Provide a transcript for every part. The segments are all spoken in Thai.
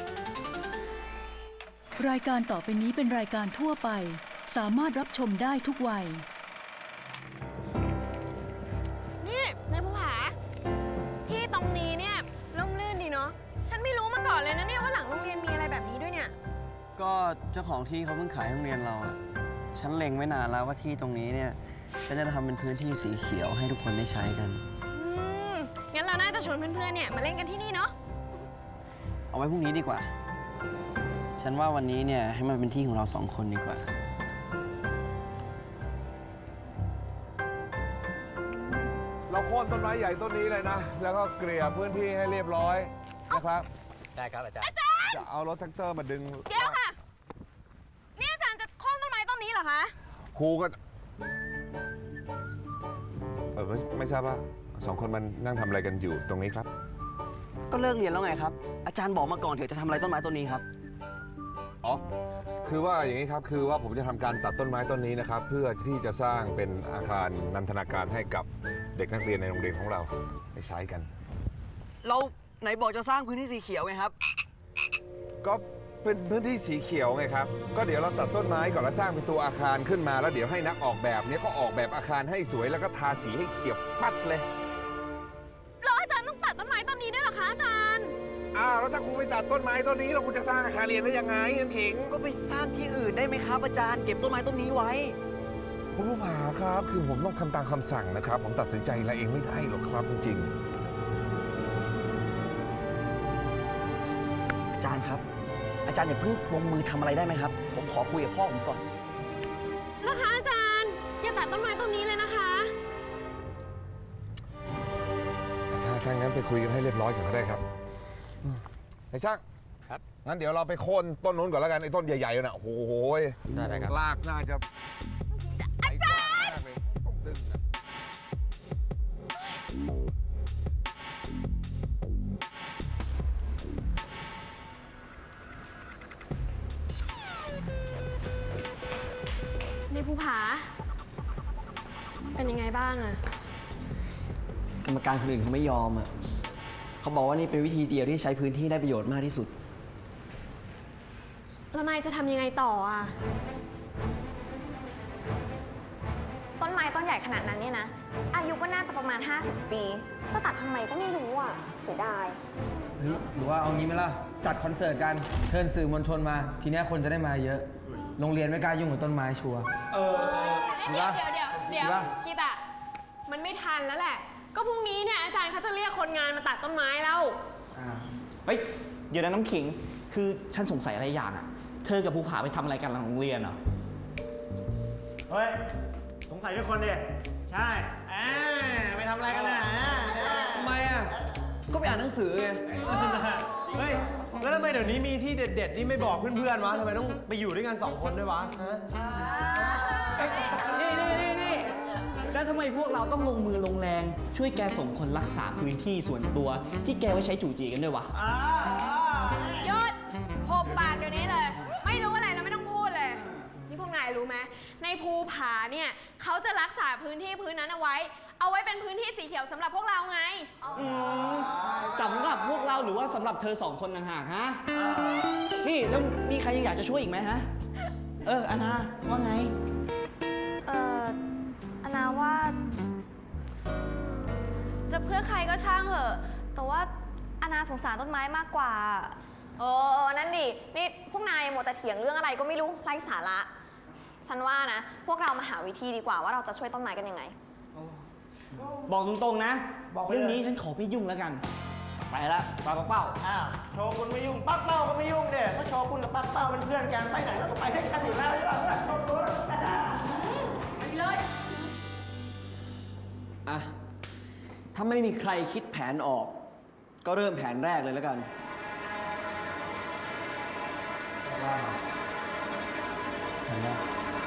รายการต่อไปนี้เป็นรายการทั่วไปสามารถรับชมได้ทุกวัยนี่นายภูผาที่ตรงนี้เนี่ยร่มรื่นดีเนาะฉันไม่รู้มาก่อนเลยนะเนี่ยว่าหลังโรงเรียนมีอะไรแบบนี้ด้วยเนี่ยก็เจ้าของที่เขาเพิ่งขายโรงเรียนเราอะฉันเล็งไว้นานแล้วว่าที่ตรงนี้เนี่ยฉันจะทำเป็นพื้นที่สีเขียวให้ทุกคนได้ใช้กันงั้นเราน่าจะชวนเพื่อนๆเนี่ยมาเล่นกันที่นี่เนาะเอาไว้พรุ่งนี้ดีกว่าฉันว่าวันนี้เนี่ยให้มันเป็นที่ของเราสองคนดีกว่าเราโค่นต้นไม้ใหญ่ต้นนี้เลยนะแล้วก็เกลี่ยพื้นที่ให้เรียบร้อยนะครับได้ครับอาจารย์จะเอารถแท็กเตอร์มาดึงเดี๋ยวค่ะนี่อาจารย์จะโค่นต้นไม้ต้นนี้เหรอคะครูก็ไม่ทราบว่าสองคนมันนั่งทำอะไรกันอยู่ตรงนี้ครับก็เลิกเรียนแล้วไงครับอาจารย์บอกมาก่อนเถอะจะทำอะไรต้นไม้ต้นนี้ครับอ๋อคือว่าอย่างนี้ครับคือว่าผมจะทำการตัดต้นไม้ต้นนี้นะครับเพื่อที่จะสร้างเป็นอาคารนันทนาการให้กับเด็กนักเรียนในโรงเรียนของเราไปใช้กันเราไหนบอกจะสร้างพื้นที่สีเขียวไงครับก็เป็นพื้นที่สีเขียวไงครับก็เดี๋ยวเราตัดต้นไม้ก่อนแล้วสร้างเป็นตัวอาคารขึ้นมาแล้วเดี๋ยวให้นักออกแบบนี้ก็ออกแบบอาคารให้สวยแล้วก็ทาสีให้เขียวปัดเลยแล้วอาจารย์ต้องตัดต้นไม้ต้นนี้ด้วยเหรอคะอาจารย์แล้วถ้าครูไปตัดต้นไม้ต้นนี้เราคุณจะสร้างอาคารเรียนได้ยังไงเอ็มขิงก็ไปสร้างที่อื่นได้ไหมครับอาจารย์เก็บต้นไม้ต้นนี้ไว้คุณผู้ผาครับคือผมต้องทำตามคำสั่งนะครับผมตัดสินใจอะไรเองไม่ได้หรอกครับจริงอาจารย์ครับอาจารย์อย่าเพิ่งลงมือทำอะไรได้ไหมครับผมขอคุยกับพ่อผมก่อนนะคะอาจารย์อย่าตัดต้นไม้ต้นนี้เลยนะคะถ้างั้นไปคุยกันให้เรียบร้อยก่อนก็ได้ครับไอ้ช่างครับงั้นเดี๋ยวเราไปโค่นต้นนู้นก่อนแล้วกันไอ้ต้นใหญ่ๆน่ะโอ้โหได้ครับลากน่าจะอาจารย์ต้องดึงนะในภูผาเป็นยังไงบ้างอะกรรมการคนอื่นเขาไม่ยอมอะเขาบอกว่านี่เป็นวิธีเดียวที่ใช้พื้นที่ได้ประโยชน์มากที่สุดแล้วนายจะทำยังไงต่ออะต้นไม้ต้นใหญ่ขนาดนั้นเนี่ยนะอายุก็น่าจะประมาณ50 ปีจะตัดทำไมก็ไม่รู้อ่ะเสียดายหรือว่าเอางี้ไหมล่ะจัดคอนเสิร์ตกันเชิญสื่อมวลชนมาทีนี้คนจะได้มาเยอะโรงเรียนไม่กล้ายุ่งกับต้นไม้ชัวร์เดี๋ยวคิดอะมันไม่ทันแล้วแหละก็พรุ่งนี้เนี่ยอาจารย์เขาจะเรียกคนงานมาตัดต้นไม้แล้วเฮ้ยเดี๋ยวนะน้ำขิงคือฉันสงสัยอะไรอย่างอะเธอกับภูผาไปทำอะไรกันหลังโรงเรียนเหรอเฮ้ยสงสัยทุกคนดิใช่ไปทำอะไรกันนะทำไมอ่ะก็ไปอ่านหนังสือไงเฮ้ยแล้วทำไมเดี๋ยวนี้มีที่เด็ดๆที่ไม่บอกเพื่อนๆวะทำไมต้องไปอยู่ด้วยกัน2 คนด้วยวะนี่แล้วทำไมพวกเราต้องลงมือลงแรงช่วยแกส่งคนรักษาพื้นที่ส่วนตัวที่แกไว้ใช้จู่จีกันด้วยวะหยุดหุบปากเดี๋ยวนี้เลยไม่รู้อะไรแล้วไม่ต้องพูดเลยนี่พวกนายรู้ไหมในภูผาเนี่ยเขาจะรักษาพื้นที่พื้นนั้นเอาไว้เป็นพื้นที่สีเขียวสำหรับพวกเราไงสำหรับพวกเราหรือว่าสำหรับเธอ2 คนต่างหากฮะนี่แล้วมีใครยังอยากจะช่วยอีกไหมฮะอานาว่าไงอานาว่าจะเพื่อใครก็ช่างเหอะแต่ว่าอานาสงสารต้นไม้มากกว่านั่นดินี่พวกนายหมดแต่เถียงเรื่องอะไรก็ไม่รู้ไร้สาระฉันว่านะพวกเรามาหาวิธีดีกว่าว่าเราจะช่วยต้นไม้กันยังไงบอกตรงๆนะเรื่องนี้ฉันขอไม่ยุ่งแล้วกันไปละปาเป้าโชว์คุณไม่ยุ่งปักเป้าก็ไม่ยุ่งเด็กเพราะโชว์คุณกับปักเป้าเป็นเพื่อนกันไปไหนเราก็ไปด้วยกันอยู่แล้วโชว์คุณไปเลยถ้าไม่มีใครคิดแผนออกก็เริ่มแผนแรกเลยแล้วกันแผนแรก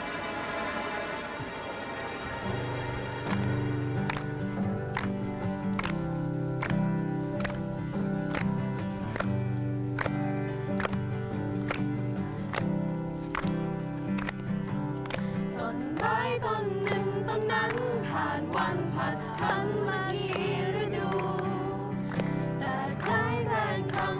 ต้นไม้ต้นหนึ่งต้นนั้นผ่านวันผ่านทันมากี่ฤดูแต่ใครแต่งคำ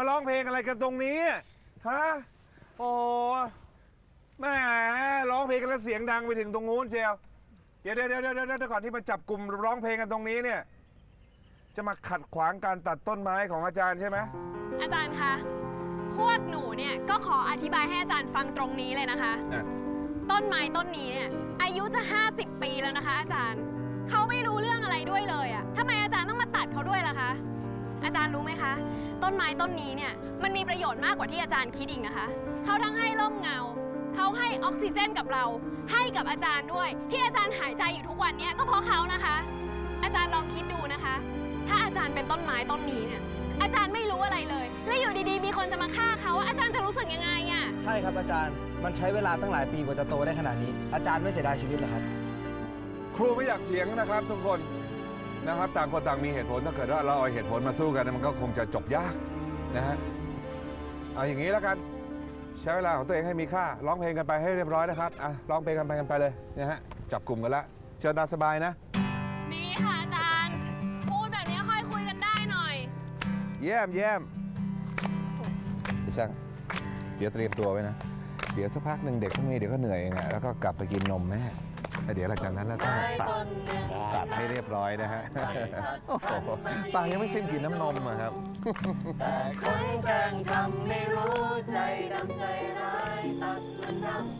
ร้องเพลงอะไรกันตรงนี้ฮะโอ้แหม่ร้องเพลงกันแล้วเสียงดังไปถึงตรงนู้นเชียวเดี๋ยวก่อนที่มาจับกลุ่มร้องเพลงกันตรงนี้เนี่ยจะมาขัดขวางการตัดต้นไม้ของอาจารย์ใช่ไหมอาจารย์คะพวกหนูเนี่ยก็ขออธิบายให้อาจารย์ฟังตรงนี้เลยนะคะ ต้นไม้ต้นนี้เนี่ยอายุจะ 50 ปีแล้วนะคะ อาจารย์เขาไม่รู้เรื่องอะไรด้วยเลยอะทำไมอาจารย์ต้องมาตัดเขาด้วยล่ะคะอาจารย์รู้ไหมคะต้นไม้ต้นนี้เนี่ยมันมีประโยชน์มากกว่าที่อาจารย์คิดอีกนะคะเขาทั้งให้ร่มเงาเขาให้ออกซิเจนกับเราให้กับอาจารย์ด้วยที่อาจารย์หายใจอยู่ทุกวันเนี่ยก็เพราะเขานะคะ อาจารย์ลองคิดดูนะคะถ้าอาจารย์เป็นต้นไม้ต้นนี้เนี่ยอาจารย์ไม่รู้อะไรเลยแล้วอยู่ดีๆมีคนจะมาฆ่าเขาอาจารย์จะรู้สึกยังไงอะใช่ครับอาจารย์มันใช้เวลาตั้งหลายปีกว่าจะโตได้ขนาดนี้อาจารย์ไม่เสียดายชีวิตเหรอครับครูไม่อยากเถียงนะครับทุกคนนะครับต่างคนต่างมีเหตุผลถ้าเกิดว่าเราเอาเหตุผลมาสู้กันมันก็คงจะจบยากนะฮะเอาอย่างนี้แล้วกันใช้เวลาของตัวเองให้มีค่าร้องเพลงกันไปให้เรียบร้อยนะครับร้องเพลงกันไปเลยนะฮะจับกลุ่มกันละเชิญตามสบายนะนี่ค่ะอาจารย์พูดแบบนี้ค่อยคุยกันได้หน่อยเยี่ยมพี่ช่างเดี๋ยวเตรียมตัวไว้นะเดี๋ยวสักพักหนึ่งเด็กพวกนี้เดี๋ยวก็เหนื่อยเองแล้วก็กลับไปกินนมแม่แล้วเดี๋ยวหลังจากนั้นแล้วก็ตัดให้เรียบร้อยนะฮะโอ้โหปางยังไม่สิ้นกินน้ำนมอะครับแต่คนแกล้งทำไม่รู้ใจดำใจร้ายตัดมันรำไป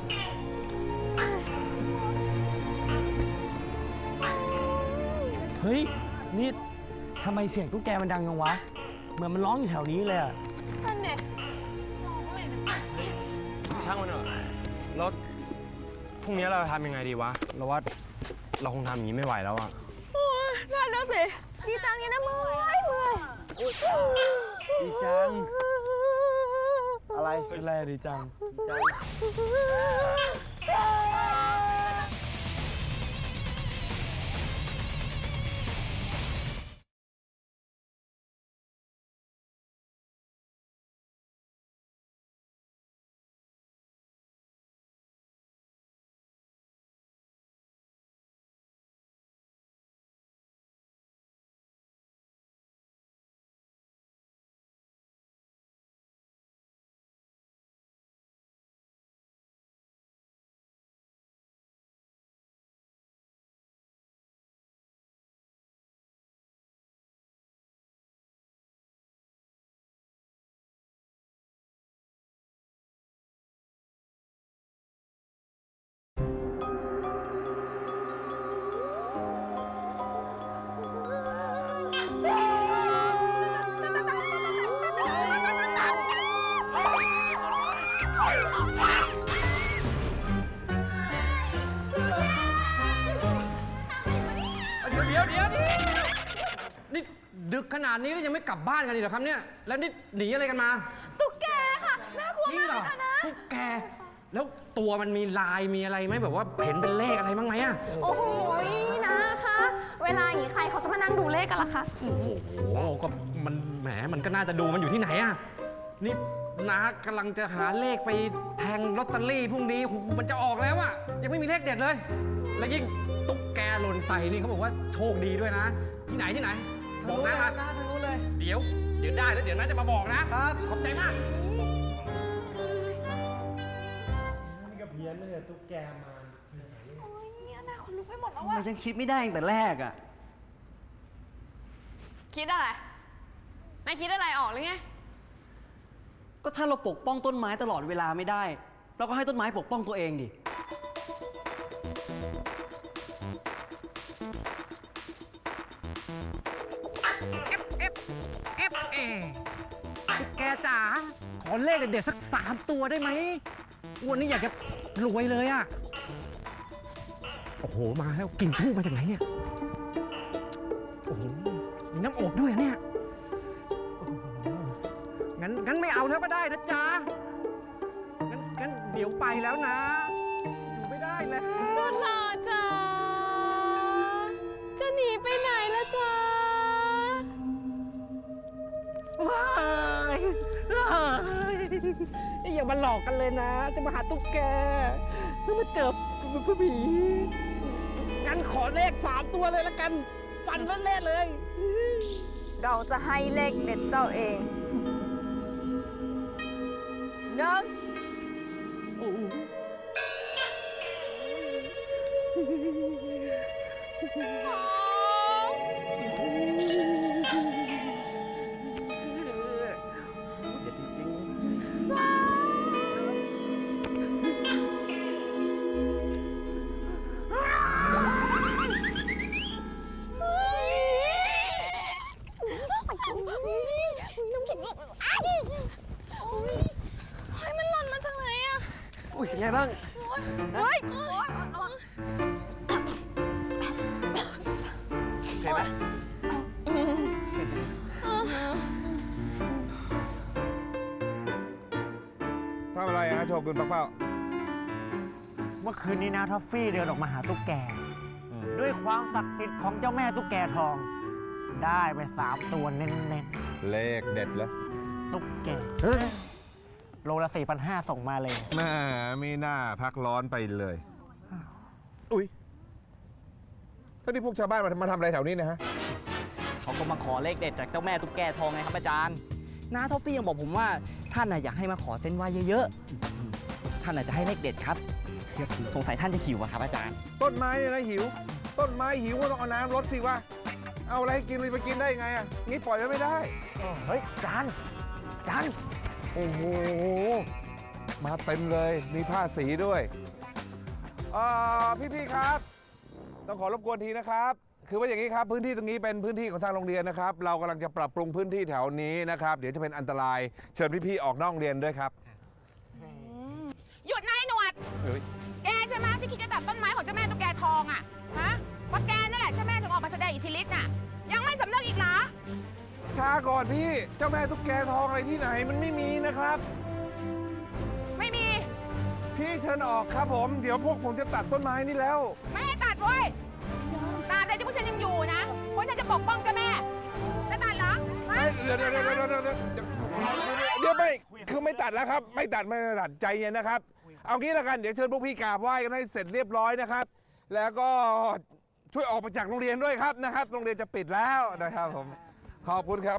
เฮ้ย นี่ทำไมเสียงตุ๊กแกมันดังจังวะ เหมือนมันร้องอยู่แถวนี้เลยอะนั่นเนี่ยร้องอะไรนะช่างมันเถอะแล้วพรุ่งนี้เราทำยังไงดีวะเราว่าเราคงทำอย่างนี้ไม่ไหวแล้วอะนั่นแล้วสิดีจังเนี่ยนะเมื่อยดีจังอะไรเป็นไรดีจังเดี๋ยวนี่ดึกขนาดนี้แล้วยังไม่กลับบ้านกันอีกเหรอครับเนี่ยแล้วนี่หนีอะไรกันมาตุ๊กแกค่ะน่ากลัวจริงมากเหรเลอยค่ะนะตุ๊กแกแล้วตัวมันมีลายมีอะไรไหมแบบว่าเห็นเป็นเลขอะไรบ้างไหมอะโอ้โหนะคะเวลาอย่างนี้ใครเขาจะมานั่งดูเลขกันล่ะคะโอ้โหก็มันแหมมันก็น่าจะดูมันอยู่ที่ไหนอะนี่น้ากำลังจะหาเลขไปแทงลอตเตอรี่พรุ่งนี้โอ้โหมันจะออกแล้วอะยังไม่มีเลขเด็ดเลย แล้วยิ่งตุ๊กแกหล่นใส่นี่เขาบอกว่าโชคดีด้วยนะ ที่ไหนบอกนะทางนู้นเลยเดี๋ยวได้แล้วเดี๋ยวน้าจะมาบอกนะครับ ขอบใจมากนี่ก็เพี้ยนเลยตุ๊กแกมาทำไมฉันคิดไม่ได้ตั้งแต่แรกอะคิดอะไรนายคิดอะไรออกหรือไงก็ถ้าเราปกป้องต้นไม้ตลอดเวลาไม่ได้ เราก็ให้ต้นไม้ปกป้องตัวเองดิแกจ๋าขอเลขเด็ดๆสัก3 ตัวได้ไหมวันนี้อยากจะรวยเลยอะโอ้โหมาแล้วกลิ่นทูบมาจากไหนเนี่ยโอ้โหมีน้ำอบด้วยเนี่ยโอ้โหงั้นไม่เอาแล้วก็ได้นะจ๊ะงั้นเดี๋ยวไปแล้วนะอยู่ไม่ได้แล้วสุดหล่อจ๋าจะหนีไปไหนละจ๊ะว้ายอย่ามาหลอกกันเลยนะ จะมาหาตุ๊กแกแล้วมาเจอผีงั้นขอเลข3 ตัวเลยละกัน ฟันเล่นๆเลยเราจะให้เลขเด็ดเจ้าเองหนึ่งน้ำขิงหลบอ้ายเฮ้ยมันหล่นมาจากไหนอะอุ้ยเป็นไงบ้างเฮ้ยโอเคไหมทำอะไรฮะโชกุนปักเป้าเมื่อคืนนี้นะท็อฟฟี่เดินออกมาหาตุ๊กแก ด้วยความศักดิ์สิทธิ์ของเจ้าแม่ตุ๊กแกทอง ได้ไป3 ตัวเน้นเลขเด็ดแล้วๆตุ๊กแกโลละ 4,500 ส่งมาเลยแม่มีหน้าพักร้อนไปเลย อุ้ยท่านี่พวกชาวบ้านมาทำอะไรแถวนี้เนะฮะเขาก็มาขอเลขเด็ดจากเจ้าแม่ตุ๊กแกทองไงครับอาจารย์น้าท็อฟฟี่ยังบอกผมว่าท่านน่ะอยากให้มาขอเส้นไหว้เยอะๆ ท่านน่ะจะให้เลขเด็ดครับ สงสัยท่านจะหิวอะครับอาจารย์ต้นไม้เนี่ยนะหิว ต้นไม้หิวก็ต้องเอาน้ำรดสิวะ เอาอะไรให้กินไปกินได้ยังไงอ่ะ งี้ปล่อยไว้ไม่ได้เฮ้ย จานโอ้โห มาเต็มเลย มีผ้าสีด้วยพี่ๆครับ ต้องขอรบกวนทีนะครับ คือว่าอย่างนี้ครับ พื้นที่ตรงนี้เป็นพื้นที่ของทางโรงเรียนนะครับ เรากำลังจะปรับปรุงพื้นที่แถวนี้นะครับ เดี๋ยวจะเป็นอันตราย เชิญพี่ๆออกนอกโรงเรียนด้วยครับหยุดนายหนวดเฮ้ยแกใช่ไหมที่คิดจะตัดต้นไม้ของเจ้าแม่ตุ๊กแกทองอ่ะ ฮะเพราะแกนั่นแหละเจ้าแม่ถึงออกมาแสดงอิทธิฤทธิ์น่ะ ยังไม่สำนึกอีกเหรอช้าก่อนพี่ เจ้าแม่ตุ๊กแกทองอะไรที่ไหนมันไม่มีนะครับไม่มีพี่เชิญออกครับผม เดี๋ยวพวกผมจะตัดต้นไม้นี่แล้วไม่ให้ตัดเว้ยตราบใดที่พวกฉันยังอยู่นะพวกฉันจะปกป้องเจ้าแม่ จะตัดเหรอฮะเดี๋ยวไม่คือไม่ตัดแล้วครับ ไม่ตัดใจเย็นนะครับ เอางี้ละกันเดี๋ยวเชิญพวกพี่กราบไหว้กันให้เสร็จเรียบร้อยนะครับ แล้วก็ช่วยออกไปจากโรงเรียนด้วยครับนะครับ โรงเรียนจะปิดแล้วนะครับผมขอบคุณครับ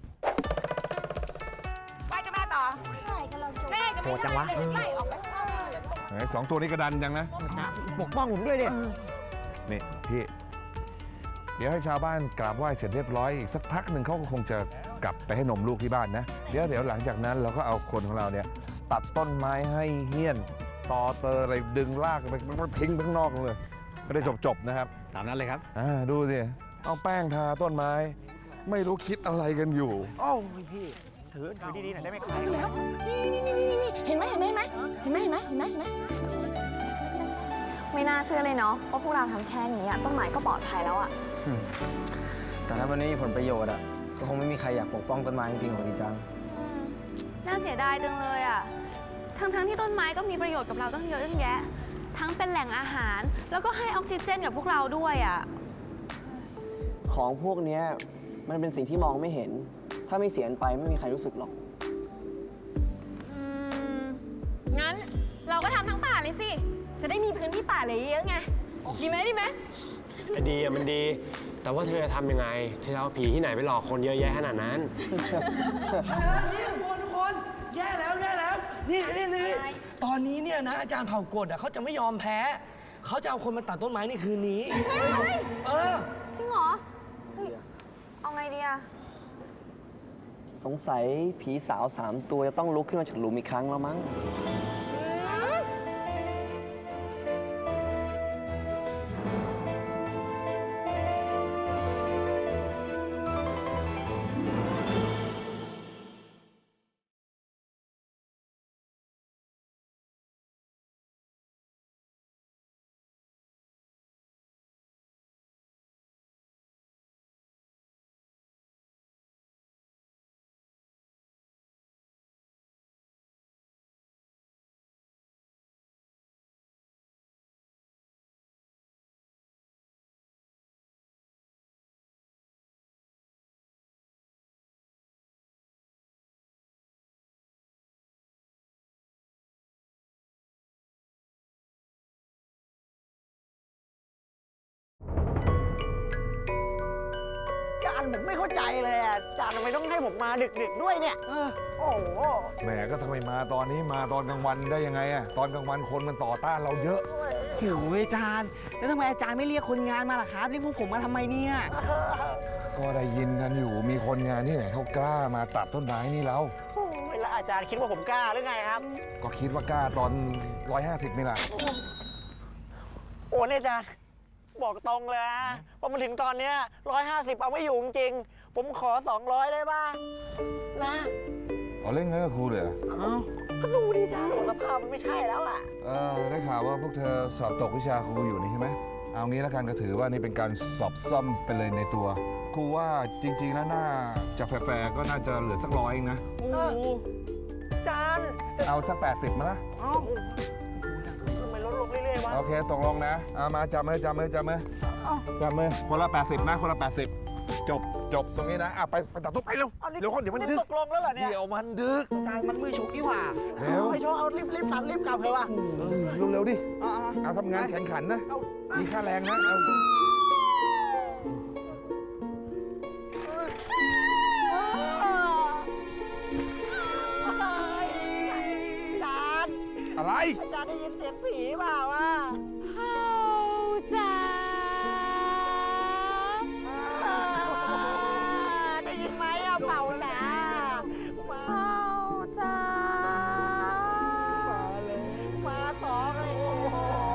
ไหว้เจ้าแม่ต่อแม่จะโหไม่ดจังวะไล่ออกไปสองตัวนี้กระดันจังนะปกป้องผมด้วยดินี่พี่ เดี๋ยวให้ชาวบ้านกราบไหว้เสร็จเรียบร้อยอีกสักพักหนึ่งเขาก็คงจะกลับไปให้นมลูกที่บ้านนะ เดี๋ยวหลังจากนั้นเราก็เอาคนของเราเนี่ยตัดต้นไม้ให้เหี้ยนตอเตออะไรดึงลากไปทิ้งไปข้างนอกเลยก็ได้จบนะครับตามนั้นเลยครับดูสิเอาแป้งทาต้นไม้ ไม่รู้คิดอะไรกันอยู่โอ้ยพี่ ถือดีๆหน่อยได้ไหมครับเห็นไหมไม่น่าเชื่อเลยเนาะว่าพวกเราทำแค่นี้อะต้นไม้ก็ปลอดภัยแล้วอะแต่ถ้ามันไม่มีผลประโยชน์อ่ะ ก็คงไม่มีใครอยากปกป้องต้นไม้จริงๆหรอกดีจังน่าเสียดายจังเลยอะทั้งที่ต้นไม้ก็มีประโยชน์กับเราตั้งเยอะตั้งแยะ ทั้งเป็นแหล่งอาหาร แล้วก็ให้ออกซิเจนกับพวกเราด้วยอะของพวกเนี้ยมันเป็นสิ่งที่มองไม่เห็น ถ้าไม่เสียไปไม่มีใครรู้สึกหรอกงั้นเราก็ทำทั้งป่าเลยสิ จะได้มีพื้นที่ป่าเลยเยอะไง ดีไหมดีอ่ะมันดี แต่ว่าเธอจะทำยังไง เธอเอาผีที่ไหนไปหลอกคนเยอะแยะขนาดนั้นทุกคนแย่แล้ว นี่ตอนนี้เนี่ยนะอาจารย์เผ่ากฎเขาจะไม่ยอมแพ้ เขาจะเอาคนมาตัดต้นไม้ในคืนนี้ เออจริงเหรอ เฮ้ย เอาไงดีอะสงสัยผีสาว3 ตัวจะต้องลุกขึ้นมาจากหลุมอีกครั้งแล้วมั้งย์ผมไม่เข้าใจเลยอ่ะอาจารย์ทำไมต้องให้ผมมาดึกๆด้วยเนี่ยโอ้โหแหมก็ทำไมมาตอนนี้มาตอนกลางวันได้ยังไงอะตอนกลางวันคนมันต่อต้านเราเยอะโอ้ยอาจารย์ แล้วทำไมอาจารย์ไม่เรียกคนงานมาล่ะครับเรียกพวกผมมาทำไมเนี่ยก็ได้ยินกันอยู่มีคนงานที่ไหนเขากล้ามาตัดต้นไม้นี่แล้วโอ้ยแล้วอาจารย์คิดว่าผมกล้าหรือไงครับก็คิดว่ากล้าตอน 150นี่แหละโอ้เนี่ยอาจารย์บอกตรงเลยนะว่ามันถึงตอนเนี้ย150เอาไม่อยู่จริงๆผมขอ200ได้ป่ะนะเอาเล่นเงินกับครูเลยเหรอก็ดูดิอาจารย์สภาพมันไม่ใช่แล้วอ่ะได้ข่าวว่าพวกเธอสอบตกวิชาครูอยู่นี่ใช่ไหมเอางี้แล้วกันก็ถือว่านี่เป็นการสอบซ่อมไปเลยในตัวครูว่าจริงๆแล้วน่าจะแฟร์ๆก็น่าจะเหลือสัก100เองนะโอ้อาจารย์เอาสัก80มาละเอ้าทำไมลดลงเรื่อยๆวะโอเคตกลงนะเอามาจับมือคนละ80นะคนละ80จบตรงนี้นะไปตัดตุ๊บไปเร็วเอานี่เดี๋ยวคนเดี๋ยวมันดึกตกลงแล้วเหรอเนี่ยเดี๋ยวมันดึกอาจารย์มันมือฉุกนี่หว่าเร็วไอ้โชว์เอารีบตัดรีบกลับเถอะว่ะเร็วๆดิอ่าเอาทำงานแข่งขันนะเอามีค่าแรงนะเอาอาจารย์อะไรอาจารย์ได้ยินเสียงผีเปล่าอ่ะเฮาจ๋าได้ยินไหมอ่ะเป่าจ๋ามาเฮาจ๋าเลยมาสองเลยโอ้โห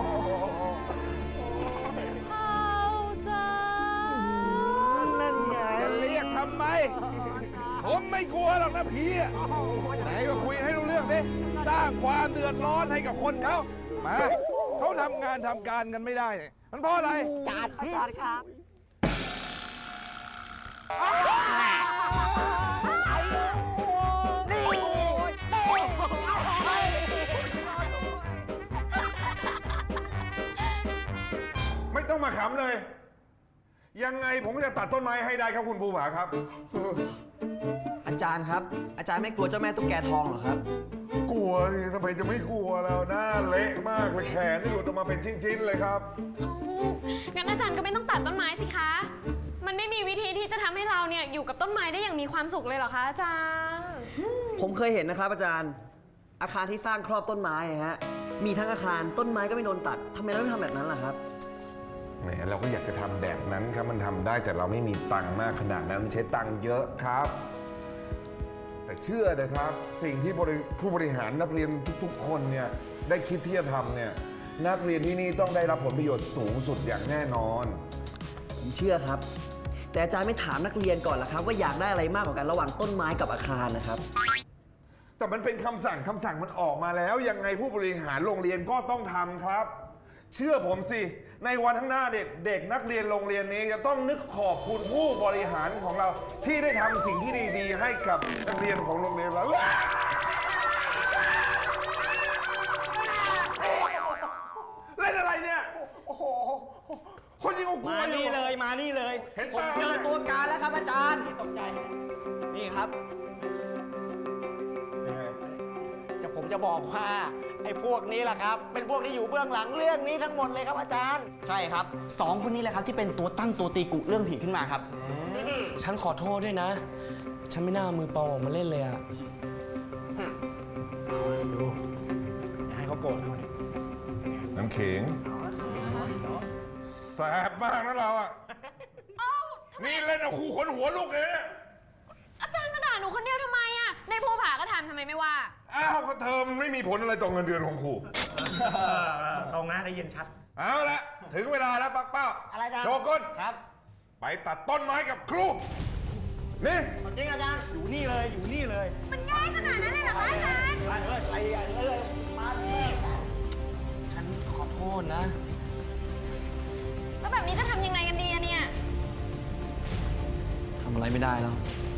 เฮาจ๋านั่นไงจะเรียกทำไม ผมไม่กลัวหรอกนะพี่อะไหนก็คุยให้รู้เรื่องสิสร้างความเดือดร้อนให้กับคนเขามาเขาทำงานทำการกันไม่ได้เนี่ยมันเพราะอะไรอาจารย์ครับไม่ต้องมาขำเลย ยังไงผมก็จะตัดต้นไม้ให้ได้ครับคุณภูผาครับอาจารย์ครับ อาจารย์ไม่กลัวเจ้าแม่ตุ๊กแกทองเหรอครับกลัวสิทำไมจะไม่กลัวแล้วหน้าเละมากเลยแขนนี่หลุดออกมาเป็นชิ้นๆเลยครับงั้นอาจารย์ก็ไม่ต้องตัดต้นไม้สิคะ มันไม่มีวิธีที่จะทำให้เราเนี่ยอยู่กับต้นไม้ได้อย่างมีความสุขเลยเหรอคะอาจารย์ผมเคยเห็นนะครับอาจารย์ อาคารที่สร้างครอบต้นไม้อะฮะ มีทั้งอาคารต้นไม้ก็ไม่โดนตัดทำไมเราไม่ทำแบบนั้นล่ะครับแหมเราก็อยากจะทำแบบนั้นครับมันทำได้แต่เราไม่มีตังค์มากขนาดนั้นมันใช้ตังค์เยอะครับ แต่เชื่อนะครับสิ่งที่ผู้บริหารนักเรียนทุกๆ คนเนี่ยได้คิดที่จะทำเนี่ยนักเรียนที่นี่ต้องได้รับผลประโยชน์สูงสุดอย่างแน่นอนผมเชื่อครับ แต่อาจารย์ไม่ถามนักเรียนก่อนล่ะครับ ว่าอยากได้อะไรมากกว่ากันระหว่างต้นไม้กับอาคารนะครับแต่มันเป็นคำสั่งมันออกมาแล้วยังไงผู้บริหารโรงเรียนก็ต้องทำครับ เชื่อผมสิในวันข้างหน้าเด็กนักเรียนโรงเรียนนี้จะต้องนึกขอบคุณผู้บริหารของเราที่ได้ทำสิ่งที่ดีๆให้กับนักเรียนของโรงเรียนเราเล่นอะไรเนี่ยโอ้โหคนยิงกูกลัวมาอยู่นี่เลยมานี่เลยเห็นผมตาเจอตัวการแล้วครับอาจารย์ตกใจนี่ครับผมจะบอกว่าไอ้พวกนี้แหละครับ เป็นพวกที่อยู่เบื้องหลังเรื่องนี้ทั้งหมดเลยครับอาจารย์ใช่ครับสองคนนี้แหละครับที่เป็นตัวตั้งตัวตีกุเรื่องผีขึ้นมาครับฉันขอโทษด้วยนะ ฉันไม่น่าเอามือเปล่าออกมาเล่นเลยอะดูอย่าให้เขาโกรธหน่อยน้ำขิงแสบมากนะเราอ่ะนี่เล่นเอาครูขนหัวลุกเลยเนี่ยอาจารย์มาด่าหนูคนเดียวทำไมอะในภูผาก็ทำไมไม่ว่าอ้าวก็เธอมันไม่มีผลอะไรต่อเงินเดือนของครูตรงนะได้ยินชัดเอาละถึงเวลาแล้วปักเป้าอะไรกันโชกุนครับไปตัดต้นไม้กับครูนี่จริงอาจารย์ อยู่นี่เลยอยู่นี่เลยมันง่ายขนาดนั้นเลยเหรอคะอาจารย์ไปเลยมาเลยฉันขอโทษนะแล้วแบบนี้จะทำยังไงกันดีอะเนี่ยทำอะไรไม่ได้แล้ว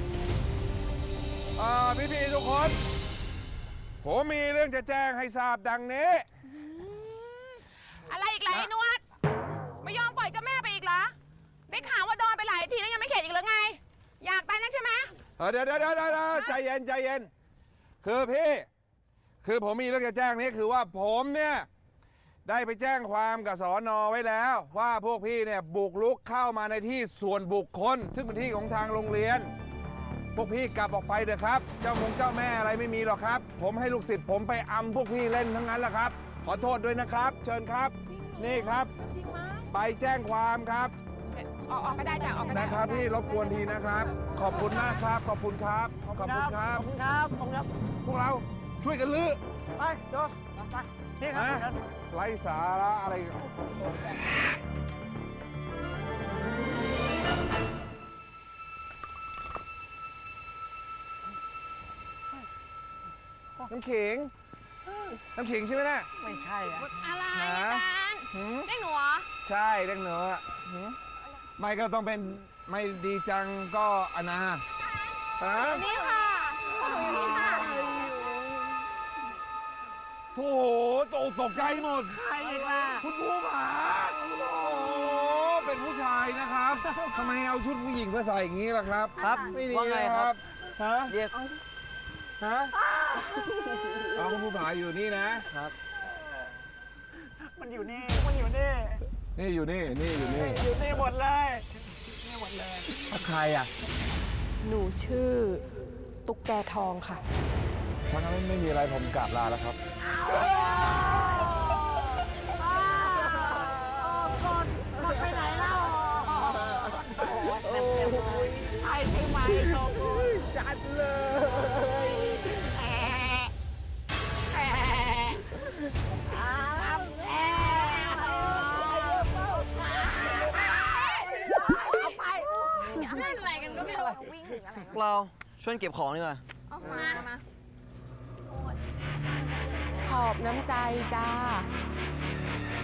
พี่ๆทุกคน ผมมีเรื่องจะแจ้งให้ทราบดังนี้อะไรอีกล่ะไอ้นวดไม่ยอมปล่อยเจ้าแม่ไปอีกเหรอ ได้ข่าวว่าโดนไปหลายทีแล้วยังไม่เข็ดอีกหรือไง อยากตายนักใช่ไหมเดี๋ยวใจเย็น คือพี่ คือผมมีเรื่องจะแจ้งนี้คือว่าผมเนี่ยได้ไปแจ้งความกับสอนอไว้แล้ว ว่าพวกพี่เนี่ยบุกรุกเข้ามาในที่ส่วนบุคคล ซึ่งเป็นที่ของทางโรงเรียน พวกพี่กลับออกไปเถอะครับ เจ้าแม่อะไรไม่มีหรอกครับ ผมให้ลูกศิษย์ผมไปอำพวกพี่เล่นทั้งนั้นแหละครับ ขอโทษด้วยนะครับ เชิญครับ นี่ครับ ไปแจ้งความครับออกก็ได้จ้ะออกก็ได้นะครับพี่รบกวนทีนะครับ ขอบคุณมากครับ ขอบคุณครับ ขอบคุณครับขอบคุณครับขอบคุณครับพวกเราช่วยกันลื้อไปโจไปนี่ครับนะไร้สาระอะไร น้ำขิง น้ำขิงใช่ไหมน่ะไม่ใช่อะอะไรหาอาจารย์เรียกหนูเหรอใช่เด็กเหนือไม่ก็ต้องเป็นไม่ดีจังก็อนาฮะนี่ค่ะพวกหนูอยู่นี่ค่ะโถตกใจหมดใครอีกล่ะคุณผู้ผาโอ้โหเป็นผู้ชายนะครับ ทำไมเอาชุดผู้หญิงมาใส่อย่างนี้ล่ะครับครับไม่ดีว่าไงนะครับ ฮะเรียกฮะเอาคุณผู้ผาอยู่นี่นะมันอยู่นี่ มันอยู่นี่นี่อยู่นี่ นี่อยู่นี่อยู่นี่หมดเลยนี่หมดเลยใครอ่ะหนูชื่อตุ๊กแกทองค่ะถ้างั้นไม่มีอะไรผมกราบลาแล้วครับก่อนไปไหนเล่าใช่ใช่ไหมโชกุนจัดเลยเอาไปเล่นอะไรกันก็ไม่รู้วิ่งหรืออะไรพวกเราช่วยเก็บของดีกว่าออกมาขอบน้ำใจจ้า